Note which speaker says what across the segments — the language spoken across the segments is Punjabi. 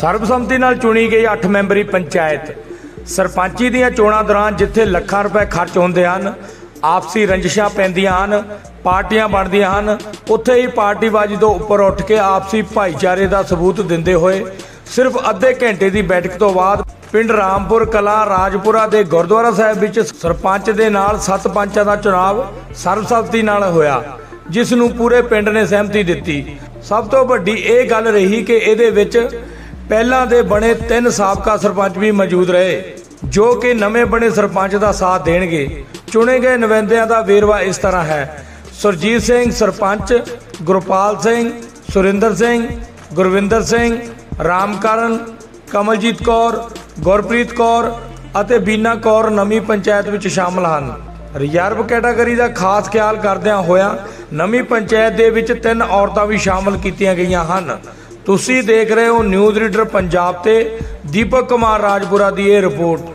Speaker 1: ਸਰਬਸੰਮਤੀ ਨਾਲ ਚੁਣੀ ਗਈ 8 ਮੈਂਬਰੀ ਪੰਚਾਇਤ ਸਰਪੰਚੀ ਦੀਆਂ ਚੋਣਾਂ ਦੌਰਾਨ ਜਿੱਥੇ ਲੱਖਾਂ ਰੁਪਏ ਖਰਚ ਹੁੰਦੇ ਹਨ, ਆਪਸੀ ਰੰਜਿਸ਼ਾਂ ਪੈਂਦੀਆਂ ਹਨ, ਪਾਰਟੀਆਂ ਬਣਦੀਆਂ ਹਨ, ਉੱਥੇ ਹੀ ਪਾਰਟੀਬਾਜ਼ੀ ਤੋਂ ਉੱਪਰ ਉੱਠ ਕੇ ਆਪਸੀ ਭਾਈਚਾਰੇ ਦਾ ਸਬੂਤ ਦਿੰਦੇ ਹੋਏ ਸਿਰਫ ਅੱਧੇ ਘੰਟੇ ਦੀ ਬੈਠਕ ਤੋਂ ਬਾਅਦ ਪਿੰਡ ਰਾਮਪੁਰ ਕਲਾਂ ਰਾਜਪੁਰਾ ਦੇ ਗੁਰਦੁਆਰਾ ਸਾਹਿਬ ਵਿੱਚ ਸਰਪੰਚ ਦੇ ਨਾਲ 7 ਪੰਚਾਂ ਦਾ ਚੁਣਾਵ ਸਰਬਸੰਮਤੀ ਨਾਲ ਹੋਇਆ, ਜਿਸ ਨੂੰ ਪੂਰੇ ਪਿੰਡ ਨੇ ਸਹਿਮਤੀ ਦਿੱਤੀ। ਸਭ ਤੋਂ ਵੱਡੀ ਇਹ ਗੱਲ ਰਹੀ ਕਿ ਇਹਦੇ ਵਿੱਚ ਪਹਿਲਾਂ ਦੇ ਬਣੇ 3 ਸਾਬਕਾ ਸਰਪੰਚ ਵੀ ਮੌਜੂਦ ਰਹੇ, ਜੋ ਕਿ ਨਵੇਂ ਬਣੇ ਸਰਪੰਚ ਦਾ ਸਾਥ ਦੇਣਗੇ। ਚੁਣੇ ਗਏ ਨੁਮਾਇੰਦਿਆਂ ਦਾ ਵੇਰਵਾ ਇਸ ਤਰ੍ਹਾਂ ਹੈ: ਸੁਰਜੀਤ ਸਿੰਘ ਸਰਪੰਚ, ਗੁਰਪਾਲ ਸਿੰਘ, ਸੁਰਿੰਦਰ ਸਿੰਘ, ਗੁਰਵਿੰਦਰ ਸਿੰਘ, ਰਾਮਕਰਨ, ਕਮਲਜੀਤ ਕੌਰ, ਗੁਰਪ੍ਰੀਤ ਕੌਰ ਅਤੇ ਬੀਨਾ ਕੌਰ ਨਵੀਂ ਪੰਚਾਇਤ ਵਿੱਚ ਸ਼ਾਮਲ ਹਨ। ਰਿਜ਼ਰਵ ਕੈਟਾਗਰੀ ਦਾ ਖਾਸ ਖਿਆਲ ਕਰਦਿਆਂ ਹੋਇਆਂ ਨਵੀਂ ਪੰਚਾਇਤ ਦੇ ਵਿੱਚ 3 ਔਰਤਾਂ ਵੀ ਸ਼ਾਮਲ ਕੀਤੀਆਂ ਗਈਆਂ ਹਨ। ਤੁਸੀਂ ਦੇਖ ਰਹੇ ਹੋ ਨਿਊਜ਼ ਰੀਡਰ ਪੰਜਾਬ ਤੇ ਦੀਪਕ ਕੁਮਾਰ ਰਾਜਪੁਰਾ ਦੀ ਇਹ ਰਿਪੋਰਟ।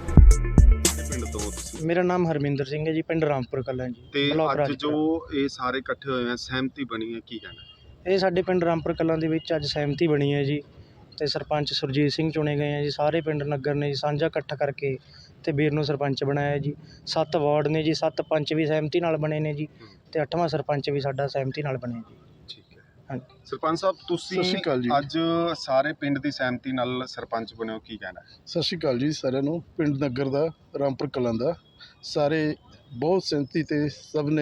Speaker 2: मेरा नाम हरमिंदर सिंह है जी, पिंड रामपुर कलां जी।
Speaker 3: ਤੇ ਅੱਜ ਜੋ ਇਹ ਸਾਰੇ ਇਕੱਠੇ ਹੋਏ ਆ, ਸਹਿਮਤੀ ਬਣੀ ਹੈ, ਕੀ ਕਹਿਣਾ?
Speaker 2: ਇਹ ਸਾਡੇ ਪਿੰਡ ਰਾਮਪੁਰ ਕਲਾਂ ਦੇ ਵਿੱਚ ਅੱਜ ਸਹਿਮਤੀ ਬਣੀ ਹੈ ਜੀ, ਤੇ ਸਰਪੰਚ ਸੁਰਜੀਤ ਸਿੰਘ ਚੁਣੇ ਗਏ ਆ ਜੀ। ਸਾਰੇ ਪਿੰਡ ਨਗਰ ਨੇ ਜੀ ਸਾਂਝਾ ਇਕੱਠ ਕਰਕੇ ਤੇ ਵੀਰ ਨੂੰ ਸਰਪੰਚ ਬਣਾਇਆ ਜੀ। 7 ਵਾਰਡ ਨੇ ਜੀ, 7 ਪੰਚ ਵੀ ਸਹਿਮਤੀ ਨਾਲ ਬਣੇ ਨੇ ਜੀ, ਤੇ 8ਵਾਂ ਸਰਪੰਚ ਵੀ ਸਾਡਾ ਸਹਿਮਤੀ ਨਾਲ ਬਣਿਆ ਜੀ।
Speaker 3: ਠੀਕ ਹੈ।
Speaker 2: ਹਾਂਜੀ
Speaker 3: ਸਰਪੰਚ ਸਾਹਿਬ, ਤੁਸੀਂ ਅੱਜ ਸਾਰੇ ਪਿੰਡ ਦੀ ਸਹਿਮਤੀ ਨਾਲ ਸਰਪੰਚ ਬਣੇ ਹੋ, ਕੀ ਕਹਿਣਾ?
Speaker 4: ਸਤਿ ਸ਼੍ਰੀ ਅਕਾਲ ਜੀ ਸਾਰਿਆਂ ਨੂੰ। ਪਿੰਡ ਨਗਰ ਦਾ ਰਾਮਪੁਰ ਕਲਾਂ ਦਾ ਸਾਰੇ ਬਹੁਤ ਸਹਿਮਤੀ ਤੇ ਸਭ ਨੇ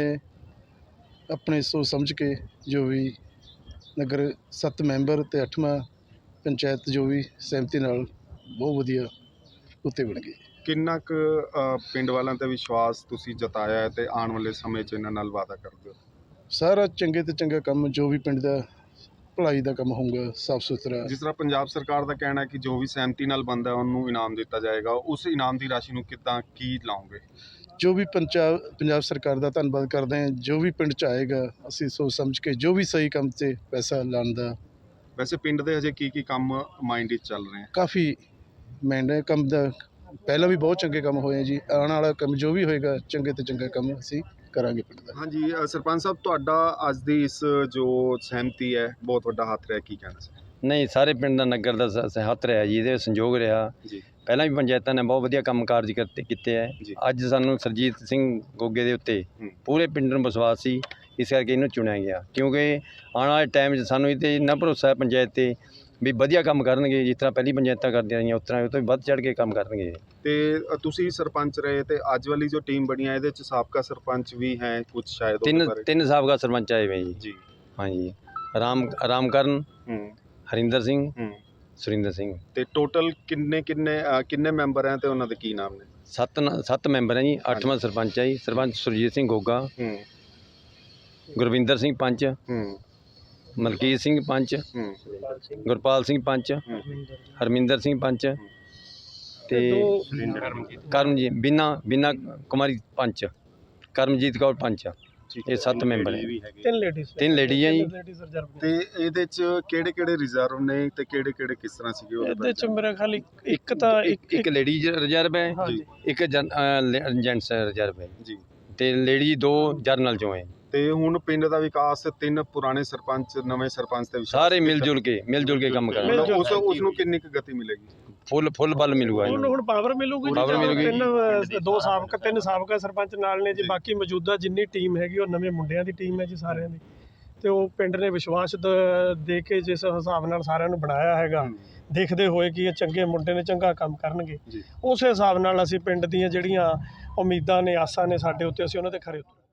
Speaker 4: ਆਪਣੇ ਸੋਚ ਸਮਝ ਕੇ ਜੋ ਵੀ ਨਗਰ 7 ਮੈਂਬਰ ਤੇ 8ਵਾਂ ਪੰਚਾਇਤ ਜੋ ਵੀ ਸਹਿਮਤੀ ਨਾਲ ਬਹੁਤ ਵਧੀਆ ਉੱਤੇ ਬਣ ਗਈ।
Speaker 3: ਕਿੰਨਾ ਕੁ ਪਿੰਡ ਵਾਲਿਆਂ ਤੇ ਵਿਸ਼ਵਾਸ ਤੁਸੀਂ ਜਤਾਇਆ ਹੈ ਤੇ ਆਉਣ ਵਾਲੇ ਸਮੇਂ 'ਚ ਇਹਨਾਂ ਨਾਲ ਵਾਅਦਾ ਕਰਦੇ ਹੋ?
Speaker 4: ਸਾਰਾ ਚੰਗੇ ਤੇ ਚੰਗਾ ਕੰਮ ਜੋ ਵੀ ਪਿੰਡ ਦਾ ਭਲਾਈ ਦਾ ਕੰਮ ਹੋਊਗਾ, ਸਾਫ ਸੁਥਰਾ।
Speaker 3: ਜਿਸ ਤਰ੍ਹਾਂ ਪੰਜਾਬ ਸਰਕਾਰ ਦਾ ਕਹਿਣਾ ਹੈ ਕਿ ਜੋ ਵੀ ਸਹਿਮਤੀ ਨਾਲ ਬਣਦਾ ਉਹਨੂੰ ਇਨਾਮ ਦਿੱਤਾ ਜਾਏਗਾ, ਉਸ ਇਨਾਮ ਦੀ ਰਾਸ਼ੀ ਨੂੰ ਕਿੱਦਾਂ ਕੀ ਲਾਓਗੇ?
Speaker 4: ਜੋ ਵੀ ਪੰਜਾਬ ਸਰਕਾਰ ਦਾ ਧੰਨਵਾਦ ਕਰਦੇ ਹਾਂ। ਜੋ ਵੀ ਪਿੰਡ 'ਚ ਆਏਗਾ ਅਸੀਂ ਸੋਚ ਸਮਝ ਕੇ ਜੋ ਵੀ ਸਹੀ ਕੰਮ 'ਤੇ ਪੈਸਾ ਲਾਉਣ ਦਾ।
Speaker 3: ਵੈਸੇ ਪਿੰਡ ਦੇ ਹਜੇ ਕੀ ਕੰਮ ਮਾਈਂਡ ਵਿੱਚ ਚੱਲ ਰਹੇ ਆ?
Speaker 4: ਕਾਫੀ ਮਹਿੰਗਾ ਕੰਮ ਦਾ ਪਹਿਲਾਂ ਵੀ ਬਹੁਤ ਚੰਗੇ ਕੰਮ ਹੋਏ ਜੀ। ਆਉਣ ਵਾਲਾ ਕੰਮ ਜੋ ਵੀ ਹੋਏਗਾ ਚੰਗੇ ਤੋਂ ਚੰਗਾ ਕੰਮ ਅਸੀਂ ਕਰਾਂਗੇ ਪਿੰਡ ਦਾ।
Speaker 3: ਹਾਂਜੀ ਸਰਪੰਚ ਸਾਹਿਬ, ਤੁਹਾਡਾ ਅੱਜ ਦੀ ਇਸ ਜੋ ਸਹਿਮਤੀ ਹੈ ਬਹੁਤ ਵੱਡਾ ਹੱਥ ਰਿਹਾ, ਕੀ ਕਹਿਣਾ ਸੀ?
Speaker 5: ਨਹੀਂ, ਸਾਰੇ ਪਿੰਡ ਦਾ ਨਗਰ ਦਾ ਹੱਥ ਰਿਹਾ ਜੀ, ਇਹਦੇ ਸੰਯੋਗ ਰਿਹਾ
Speaker 3: ਜੀ।
Speaker 5: ਪਹਿਲਾਂ ਵੀ ਪੰਚਾਇਤਾਂ ਨੇ ਬਹੁਤ ਵਧੀਆ ਕੰਮ ਕਾਰਜ ਕੀਤੇ ਹੈ। ਅੱਜ ਸਾਨੂੰ ਸੁਰਜੀਤ ਸਿੰਘ ਗੋਗੇ ਦੇ ਉੱਤੇ ਪੂਰੇ ਪਿੰਡ ਨੂੰ ਵਿਸ਼ਵਾਸ ਸੀ, ਇਸ ਕਰਕੇ ਇਹਨੂੰ ਚੁਣਿਆ ਗਿਆ, ਕਿਉਂਕਿ ਆਉਣ ਵਾਲੇ ਟਾਈਮ 'ਚ ਸਾਨੂੰ ਇਹ 'ਤੇ ਇੰਨਾ ਭਰੋਸਾ ਹੈ ਪੰਚਾਇਤ 'ਤੇ ਵੀ ਵਧੀਆ ਕੰਮ ਕਰਨਗੇ। ਜਿਸ ਤਰ੍ਹਾਂ ਪਹਿਲੀ ਪੰਚਾਇਤਾਂ ਕਰਦੀਆਂ ਰਹੀਆਂ ਉਸ ਤਰ੍ਹਾਂ ਉਹ ਤੋਂ ਵੀ ਵੱਧ ਚੜ੍ਹ ਕੇ ਕੰਮ ਕਰਨਗੇ।
Speaker 3: ਤੇ ਤੁਸੀਂ ਸਰਪੰਚ ਰਹੇ ਤੇ ਅੱਜ ਵਾਲੀ ਜੋ ਟੀਮ ਬਣੀ ਹੈ ਇਹਦੇ 'ਚ ਸਾਬਕਾ ਸਰਪੰਚ ਵੀ ਹੈ ਕੁਝ, ਸ਼ਾਇਦ
Speaker 5: ਤਿੰਨ ਸਾਬਕਾ ਸਰਪੰਚ ਆਏ ਹੋਏ ਜੀ। ਹਾਂਜੀ, ਰਾਮਕਰਨ, ਹਰਿੰਦਰ ਸਿੰਘ, ਸੁਰਿੰਦਰ ਸਿੰਘ।
Speaker 3: ਤੇ ਟੋਟਲ ਕਿੰਨੇ ਮੈਂਬਰ ਹੈ ਤੇ ਉਹਨਾਂ ਦੇ ਕੀ ਨਾਮ ਨੇ?
Speaker 5: 7 ਮੈਂਬਰ ਹੈ ਜੀ। 8ਵਾਂ ਸਰਪੰਚ ਹੈ ਜੀ। ਸਰਪੰਚ ਸੁਰਜੀਤ ਸਿੰਘ ਗੋਗਾ, ਗੁਰਵਿੰਦਰ ਸਿੰਘ ਪੰਚ, ਮਲਕੀਤ ਸਿੰਘ ਪੰਚ, ਗੁਰਪਾਲ ਸਿੰਘ ਪੰਚ, ਹਰਮਿੰਦਰ ਸਿੰਘ ਪੰਚ ਤੇ ਕਰਮਜੀਤ ਬੀਨਾ ਕੁਮਾਰੀ ਪੰਚ, ਕਰਮਜੀਤ ਕੌਰ ਪੰਚ। ਇਹ 7 ਮੈਂਬਰ ਹੈ। 3 ਲੇਡੀ ਹੈ ਜੀ।
Speaker 3: ਤੇ ਇਹਦੇ 'ਚ ਕਿਹੜੇ ਰਿਜ਼ਰਵ ਨੇ ਤੇ ਕਿਹੜੇ ਕਿਸ ਤਰ੍ਹਾਂ ਸੀਗੇ?
Speaker 2: ਇਹਦੇ ਚ ਮੇਰਾ ਖਿਆਲ
Speaker 5: ਇੱਕ ਲੇਡੀ ਰਿਜ਼ਰਵ ਹੈ, ਇੱਕ ਜੈਂਟਸ ਰਿਜ਼ਰਵ ਹੈ
Speaker 3: ਜੀ,
Speaker 5: ਤੇ ਲੇਡੀ 2 ਜਰਨਲ ਚੋਂ ਹੈ।
Speaker 3: ਤੇ ਹੁਣ ਪਿੰਡ ਦਾ ਵਿਕਾਸ 3 ਪੁਰਾਣੇ ਸਰਪੰਚ ਨਵੇਂ ਸਰਪੰਚ ਤੇ
Speaker 5: ਸਾਰੇ ਮਿਲ ਜੁਲ ਕੇ ਕੰਮ ਕਰਨਗੇ।
Speaker 3: ਉਸ ਨੂੰ ਕਿੰਨੀ ਕੁ ਗਤੀ ਮਿਲੇਗੀ?
Speaker 5: ਫੁੱਲ ਬਲ ਮਿਲੂਗਾ ਇਹਨੂੰ।
Speaker 2: ਹੁਣ ਪਾਵਰ ਮਿਲੂਗੀ। 2 ਸਾਬਕਾ 3 ਸਾਬਕਾ ਸਰਪੰਚ ਨਾਲ ਨੇ ਜੀ। ਬਾਕੀ ਮੌਜੂਦਾ ਜਿੰਨੀ ਟੀਮ ਹੈਗੀ ਉਹ ਨਵੇਂ ਮੁੰਡਿਆਂ ਦੀ ਟੀਮ ਹੈ ਜੀ ਸਾਰਿਆਂ ਦੀ। ਤੇ ਉਹ ਪਿੰਡ ਨੇ ਵਿਸ਼ਵਾਸ ਦੇ ਕੇ ਜਿਸ ਹਿਸਾਬ ਨਾਲ ਸਾਰਿਆਂ ਨੂੰ ਬਣਾਇਆ ਹੈਗਾ, ਦੇਖਦੇ ਹੋਏ ਕਿ ਇਹ ਚੰਗੇ ਮੁੰਡੇ ਨੇ, ਚੰਗਾ ਕੰਮ ਕਰਨਗੇ, ਉਸੇ ਹਿਸਾਬ ਨਾਲ ਅਸੀਂ ਪਿੰਡ ਦੀਆਂ ਜਿਹੜੀਆਂ ਉਮੀਦਾਂ ਨੇ, ਆਸਾਂ ਨੇ ਸਾਡੇ ਉੱਤੇ, ਅਸੀਂ ਉਹਨਾਂ ਤੇ ਖਰੇ ਉਤਰਾਂਗੇ।